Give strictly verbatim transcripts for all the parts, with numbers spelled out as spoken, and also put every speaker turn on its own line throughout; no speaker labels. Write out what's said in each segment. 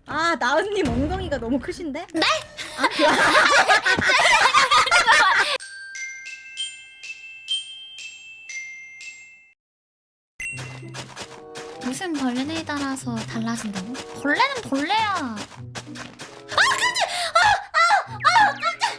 아, 나은님 엉덩이가 너무 크신데?
네?
아, 그...
무슨 벌레에 따라서 달라진다고? 벌레는 벌레야. 아, 깜짝! 아, 아, 아, 깜짝!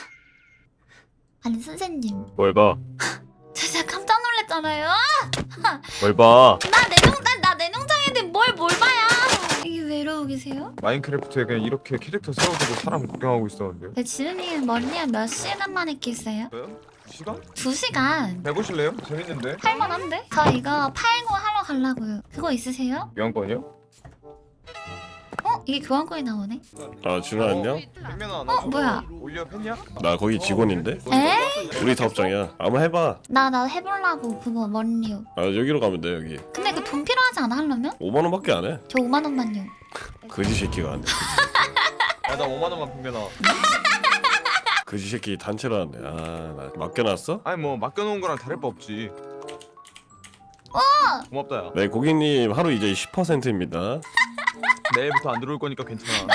아니 선생님,
뭘 봐?
저 진짜 깜짝 놀랐잖아요.
뭘 봐?
나 내농장, 나 내농장인데 뭘 뭘 봐야? 이게 왜 이러고 계세요?
마인크래프트에 그냥 이렇게 캐릭터 세워두고 사람 구경하고 있었는데요.
네, 지은님 머리에 몇 시간 만에 깼어요?
저요? 시간?
두 시간.
해보실래요? 재밌는데?
할만한데? 저 이거 팔고 하러 가려고요. 그거 있으세요?
교환권이요?
어? 이게 교환권이 나오네?
아 준아 안녕?
백면아
어, 뭐야?
올려 팬이야?
나 거기 직원인데?
에?
우리 사업장이야. 한번 해봐.
나, 나 해보려고 그거 머리요.
아 여기로 가면 돼 여기.
근데 그 돈 필요하지 않아 하려면?
오만 원밖에 안 해.
저 오만 원만요.
거지 새끼가 안 돼.
야나 오만 원만 백면아.
거지 새끼 단체라는데. 아나 맡겨놨어?
아니 뭐 맡겨놓은 거랑 다를 바 없지.
어!
고맙다 야.
네 고객님 하루 이제 십 퍼센트입니다.
내일부터 안 들어올 거니까 괜찮아.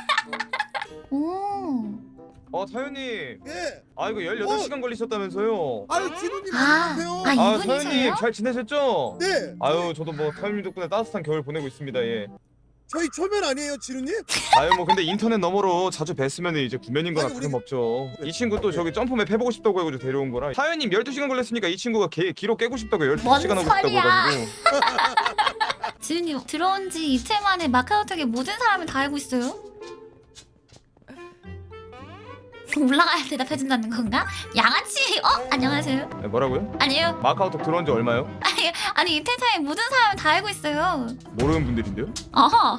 오.
어 타연님.
예.
아 이거 열여덟 시간 걸리셨다면서요.
아유 진우님
아,
안녕하세요.
아,
아
이분이세요?
타연님 잘 지내셨죠?
네.
아유 저도 뭐 타연님 덕분에 따뜻한 겨울 보내고 있습니다. 예.
저희 초면 아니에요, 진우님?
아유 뭐 근데 인터넷 너머로 자주 뵀으면 이제 구면인 거나
아니, 우리-
다름없죠. 이 친구 또 저기 점프맵 해보고 싶다고 해가지고 데려온 거라. 타연님 열두 시간 걸렸으니까 이 친구가 개, 기록 깨고 싶다고 열두 시간 하고 싶다고
소리야.
해가지고.
지은님 들어온 지 이틀 만에 마카오톡에 모든 사람을 다 알고 있어요? 올라가야 대답해준다는 건가? 양아치! 어? 안녕하세요?
네, 뭐라고요?
아니요.
마카오톡 들어온 지 얼마요?
아니, 아니 이틀 사이에 모든 사람을 다 알고 있어요.
모르는 분들인데요?
어허.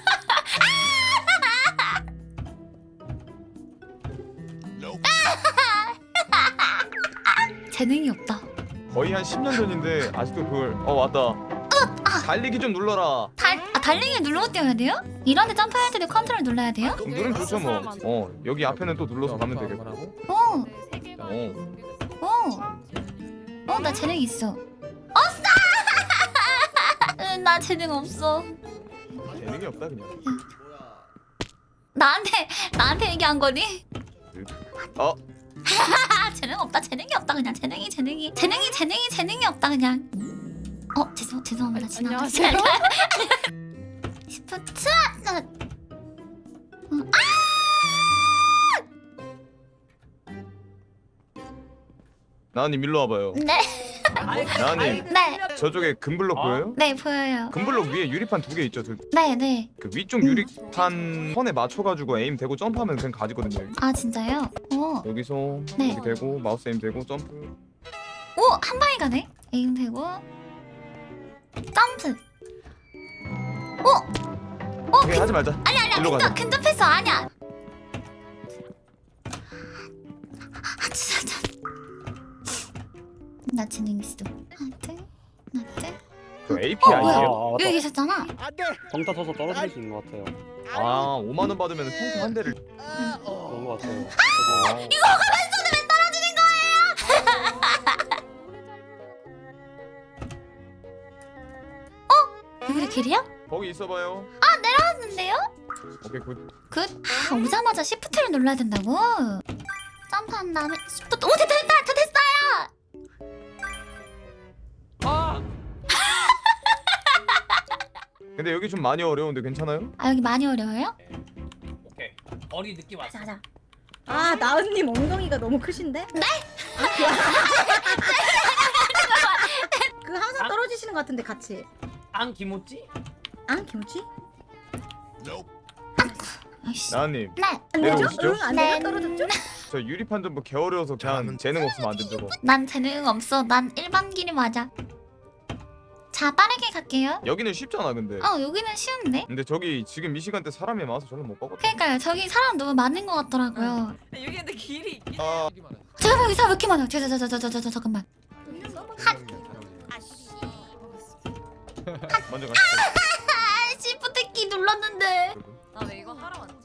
재능이 없다.
거의 한 십 년 전인데 아직도 그걸 어 왔다. 달리기 좀 눌러라.
달, 아, 달리기 누르고 뛰어야 돼요? 이런데 점프할 때도 컨트롤 눌러야 돼요?
그럼 누르면 좋죠 뭐. 어 여기 앞에는 또 눌러서 가면 되겠고.
오,
어.
오. 어, 나 재능 있어. 없어! 응, 나 재능 없어.
재능이 없다 그냥.
나한테, 나한테 얘기한 거니?
어
아, 재능 없다, 재능이 없다, 그냥. 재능이, 재능이. 재능이, 재능이, 재능이 없다, 그냥. 어, 죄송, 죄송합니다. 지나갔어요. 시프트! 나... 어,
나은님 일로 와봐요.
네,
나은님
네,
저쪽에 금블럭 보여요?
네, 보여요.
금블럭 위에 유리판 두 개 있죠. 그,
네, 네.
그 위쪽 유리판 선에 맞춰가지고 에임 되고 점프하면 그냥 가지거든요.
아, 진짜요? 오,
여기서
네.
여기 되고 마우스 에임 되고 점프.
오, 한 방에 가네? 에임 되고. 점프. 오! 오,
오케이 하지 말자.
아니, 아니야.
일로
근접,
가자.
근접했어. 아니야. 아, 진짜, 진짜. 나 재능 있어. 하나, 둘, 하나, 둘.
그 에이피아이예요?
어, 여기 계셨잖아.
안돼.
정타 쳐서 떨어질 수 있는 것 같아요.
아 오만 원 받으면 평소 한 대를.
그런 것 같아요.
이거 가만있어도 왜 떨어지는 거예요? 어? 여기 길이야?
거기 있어봐요.
하는데요?
오케이 굿.
굿. 아, 오자마자 시프트를 눌러야 된다고? 점프한 다음에 시프트. 오, 됐다, 됐다, 다 됐어요!
근데 여기 좀 많이 어려운데 괜찮아요?
아, 여기 많이 어려워요?
오케이. 어리 느낌 왔어.
가자, 가자.
아, 나은님 엉덩이가 너무 크신데?
네?
그 항상 떨어지시는 것 같은데 같이.
안 김오찌?
아, 김치?
아이씨.
나은님
네.
안 되죠?
내려오시죠?
응, 안
네.
돼요? 떨어졌죠?
저 유리판 좀 뭐 개어려워서 그냥 재능 없으면 안 된다고.
난 재능 없어. 난 일반 길이 맞아. 자, 빠르게 갈게요.
여기는 쉽잖아 근데.
어, 여기는 쉬운데?
근데 저기 지금 이 시간대 사람이 많아서 저는 못 가거든.
그러니까요. 저기 사람 너무 많은 것 같더라고요.
여기 근데 길이 있긴
아
잠깐만, 여기 사람 왜 이렇게 많아요? 저, 저, 저, 저, 저, 저, 저, 잠깐만.
먼저 가시죠.
아, 시프트 키 눌렀는데.
나 왜 이거 하러 왔지?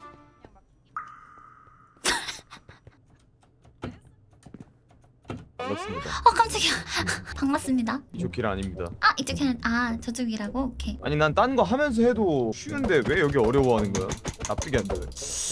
너 맞습니다.
어 깜짝이야. 반갑습니다.
이쪽 길 아닙니다.
아 이쪽에는 아 저쪽이라고? 오케이.
아니 난 딴 거 하면서 해도 쉬운데 왜 여기 어려워하는 거야? 납득이 안 돼.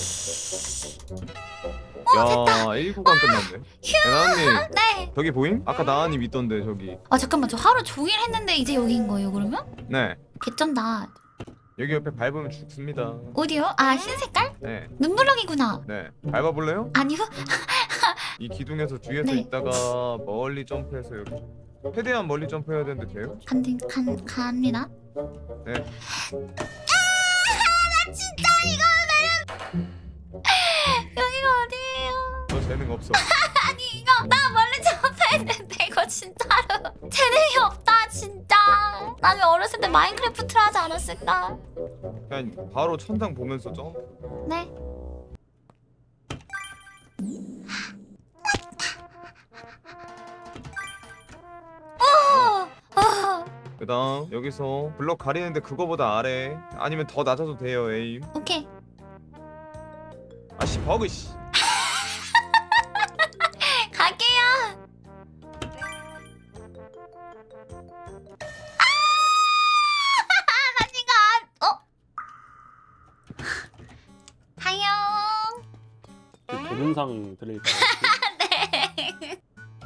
야, 일 구간 끝났네. 나나님
네.
저기 보임? 아까 나나님 있던데 저기.
아 잠깐만 저 하루 종일 했는데 이제 여기인 거예요 그러면?
네.
개쩐다.
여기 옆에 밟으면 죽습니다.
어디요? 아 흰 색깔?
네.
눈블럭이구나.
네. 밟아볼래요?
아니요?
이 기둥에서 뒤에서
네.
있다가 멀리 점프해서 여기. 최대한 멀리 점프해야 되는데 돼요?
간간 갑니다.
네.
나 진짜 이거 여기가 어디예요?
너 재능 없어.
아니 이거 나 멀리 점프했는데 이거 진짜로 재능이 없다 진짜. 나는 어렸을 때 마인크래프트를 하지 않았을까?
그냥 바로 천장 보면서 점프.
네. 오! 어,
그다음 여기서 블럭 가리는데 그거보다 아래 아니면 더 낮아도 돼요 에임.
오케이.
아씨 버그 씨.
갈게요. 아! 나 지금 안... 어? 하영.
그 동영상 들릴까요?
네.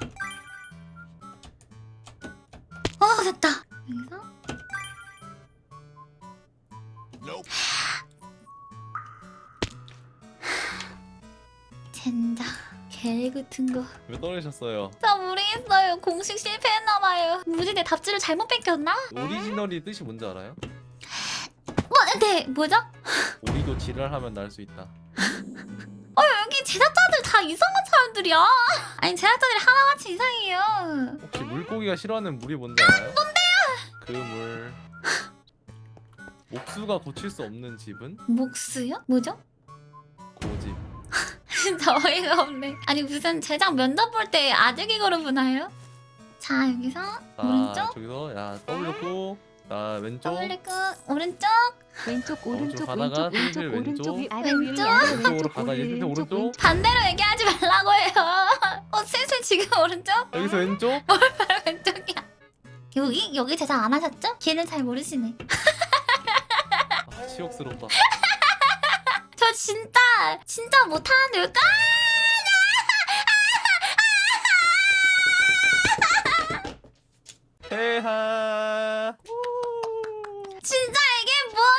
어 됐다. 여기서 젠장 개 같은 거.
왜 떨어졌어요?
나 모르겠어요. 공식 실패했나봐요. 무지개 답지를 잘못 뺏겼나?
오리지널이 뜻이 뭔지 알아요?
어, 네 뭐죠?
오리도 지랄하면 날 수 있다.
어 여기 제작자들 다 이상한 사람들이야. 아니 제작자들이 하나같이 이상해요.
혹시 물고기가 싫어하는 물이 뭔지 알아요? 뭔데요? 그 물. 목수가 고칠 수 없는 집은
목수요? 뭐죠?
고집.
진짜 어이가 없네. 아니 무슨 제작 면접 볼 때 아재기 걸어보나요? 자 여기서
자,
오른쪽
저기서 야 떠올렸고, 나 왼쪽.
떠올리고 오른쪽
왼쪽
오른쪽
오른쪽
가다가
왼쪽 왼쪽
슬슬
오른쪽 위
왼쪽.
아래 위
왼쪽.
아래
왼쪽으로
왼쪽
가다
오른
예술대
왼쪽
오른쪽.
반대로 얘기하지 말라고 해요. 어 슬슬 지금 오른쪽?
여기서 왼쪽.
바로 왼쪽이야. 여기? 여기 제작 안 하셨죠? 길을 잘 모르시네.
아, 치욕스럽다.
저 진짜 진짜 못하는데 왜 까?
해하.
진짜 이게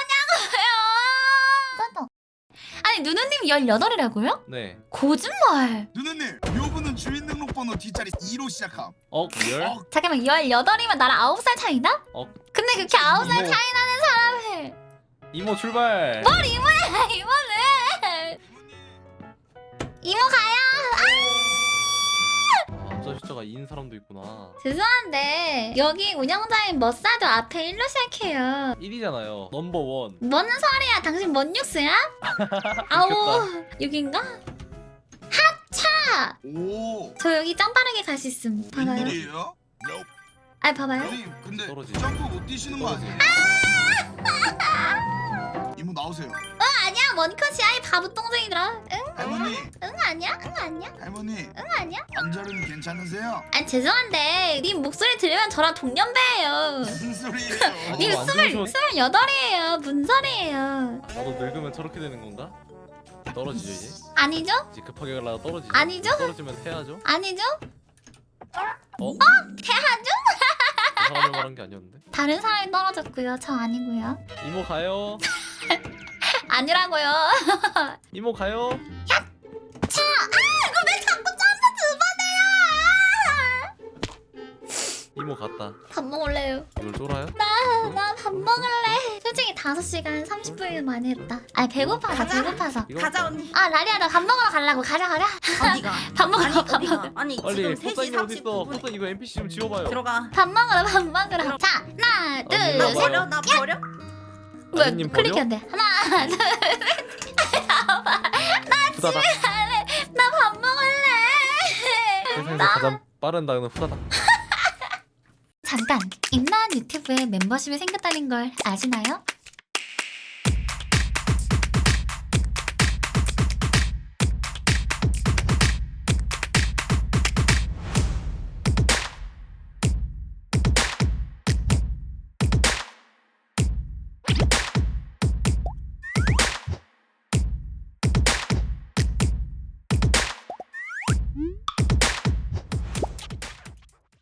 뭐냐고요? 아니 누누님 열여덟이라고요?
네.
거짓말.
누누님, 요분은 주민등록번호 뒷자리 이로 시작함.
어 열.
어,
잠깐만 열여덟이면 나랑 아홉 살 차이나?
어.
근데 그렇게 아홉 살
이모.
차이 나는 사람을
이모 출발.
뭘 이모야 이모는 이모 가요.
아, 앞서 숫자가 이인 사람도 있구나.
죄송한데 여기 운영자인 머싸도 앞에 일로 시작해요.
일이잖아요. 넘버 원.
뭔 소리야? 당신 뭔 뉴스야? 아오 여긴가? 하차!
오,
저 여기 짱 빠르게 갈 수 있음. 봐봐요.
웬일이에요?
아 봐봐요.
아니, 근데
떨어지.
점프 못 뛰시는 거
떨어지.
아니에요? 이모 나오세요.
응 아니야 원컷이야 이 바보 똥쟁이들아. 응?
할머니,
응 아니야? 응 아니야?
할머니,
응 아니야?
관절은 괜찮으세요?
아 죄송한데 님 목소리 들으면 저랑 동년배예요.
무슨 소리예요?
님
안
스물
들으셔.
스물여덟이에요. 뭔 소리예요?
나도 늙으면 저렇게 되는 건가? 떨어지죠 이제.
아니죠?
이제 급하게 가려다 떨어지죠.
아니죠?
떨어지면 해야죠.
아니죠?
어?
태하죠?
그 사람을 말한 게 아니었는데.
다른 사람이 떨어졌고요. 저 아니고요.
이모 가요.
아니라고요.
이모 가요.
차! 아 이거 왜 자꾸 점프 두 번해요?
이모 갔다.
밥 먹을래요.
이걸 쫄아요?
나 나 밥 먹을래. 솔직히 다섯 시간 삼십 분이면 많이 했다. 아니 배고파서 배고파서.
이거
가자
할까?
언니.
아 라리야 나 밥 먹으러 가려고. 가자 가자.
어디가?
밥 먹으러
아니
가, 밥
어디가?
먹으러.
아니
빨리
지금 세 시
포사님 어디 있어?
삼십구 분.
포사 이거 엔피씨 좀 지워봐요.
들어가.
밥 먹으러 밥 먹으러. 자 하나
언니,
둘
나
네.
셋.
버려? 나 버려?
뭐야
언니님 버려?
클릭이 안 돼. 하나 둘
후다닥.
나 밥 먹을래.
세상에서 가장 빠른 단어는 후다닥.
잠깐 임나은 유튜브에 멤버십이 생겼다는 걸 아시나요?